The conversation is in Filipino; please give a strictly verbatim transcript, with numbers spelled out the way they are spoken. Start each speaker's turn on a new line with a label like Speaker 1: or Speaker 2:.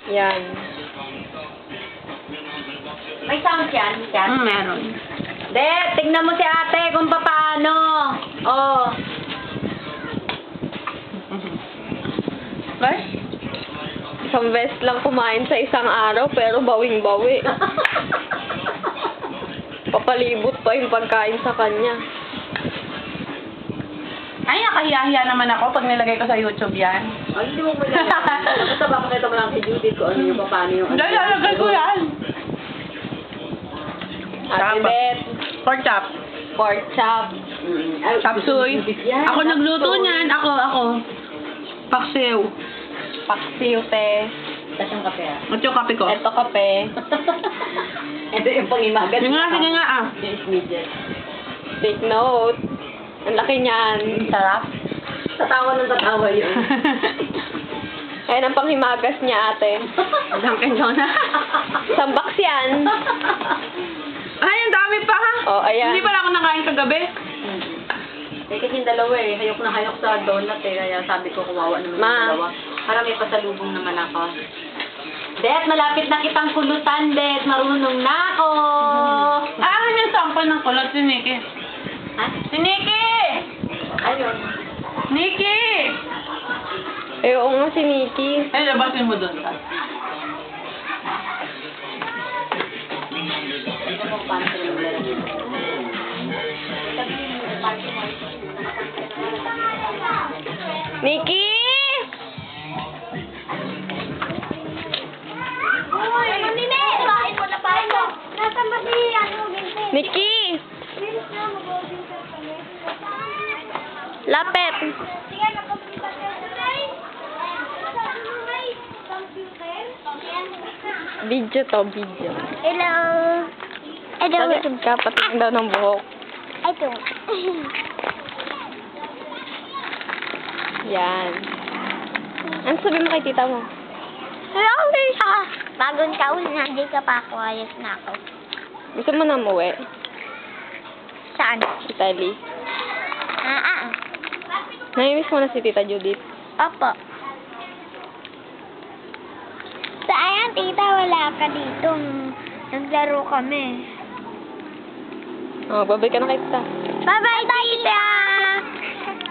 Speaker 1: Yan.
Speaker 2: May sound yan, yan.
Speaker 3: Hmm, meron.
Speaker 2: De, tignan mo si ate kung paano. Oh.
Speaker 3: Bye?
Speaker 1: Isang beses lang kumain sa isang araw, pero bawing-bawi. Papalibot pa yung pagkain sa kanya.
Speaker 3: Ay, nakahiya-hiya naman ako pag nilagay ko sa YouTube yan.
Speaker 2: Ay, hindi mo mo yan. Basta papakita mo lang kay Judith kung ano yung paano yung...
Speaker 3: Hindi, lalagay ko yan.
Speaker 1: Ate
Speaker 3: Tama.
Speaker 1: Bet,
Speaker 3: Pork chop.
Speaker 1: pork chop.
Speaker 2: Mm. Ay,
Speaker 3: Chop suey.
Speaker 2: Yan,
Speaker 3: Ako
Speaker 2: chop
Speaker 3: nagluto
Speaker 2: suey.
Speaker 3: niyan. Ako, ako. Paksiw.
Speaker 1: Paksiw, te.
Speaker 2: Tapos yung kape ah.
Speaker 3: At yung kape ko.
Speaker 1: Eto kape.
Speaker 2: Ito yung pangimagat.
Speaker 3: Sige nga, sige nga ah.
Speaker 2: Yung immediate.
Speaker 1: Take note. Ang laki niyan.
Speaker 3: Sarap.
Speaker 2: Tatawa ng tatawa yun.
Speaker 1: Ayan ang panghimagas niya, ate.
Speaker 3: Dunkin' Donut.
Speaker 1: Isang box yan.
Speaker 3: Ay, ang dami pa ha.
Speaker 1: Oh, ayan.
Speaker 3: Hindi pala ako nakain kagabi.
Speaker 2: Eh, kasi yung dalawa eh. Hayok na hayok sa donut eh. Kaya sabi ko, kumawa naman yung
Speaker 1: Ma.
Speaker 2: dalawa. Para may pasalubong naman ako. Det, malapit na kitang kulutan, Det. Marunong na ako.
Speaker 3: Ah, ano yung sample ng kulot si Nikki?
Speaker 2: Ha?
Speaker 3: Si Nikki!
Speaker 2: Ayun.
Speaker 3: Nikki!
Speaker 1: Eh, oo nga si Nikki.
Speaker 3: Ay, labasin mo doon.
Speaker 2: Ito kung paano sila maglalagay.
Speaker 1: Nikki!
Speaker 4: Uy, Nini! Kain mo na pa ito. Nasaan ba si ano, Vincent?
Speaker 1: Nikki!
Speaker 4: Bilis na, mag-Vincent kami.
Speaker 1: Lapet!
Speaker 4: Sige, nag-computer ka na. Sabi mo may computer?
Speaker 1: Video to, video.
Speaker 4: Hello. Hello.
Speaker 1: Talikod ka, patingin daw ng buhok.
Speaker 4: Ito.
Speaker 1: Yan. Ano sabi mo kay tita mo?
Speaker 4: Hello, Lisa. Bagong taon na, hindi ka pa ako. Ayos na ako.
Speaker 1: Gusto mo na umuwi?
Speaker 4: Saan?
Speaker 1: Italy.
Speaker 4: Ah, ah.
Speaker 1: Namimiss mo na si tita Judith.
Speaker 4: Opo. Sayang, tita, wala ka dito. Naglaro kami.
Speaker 1: Oh, babay ka na kay tita.
Speaker 4: Bye-bye, tita!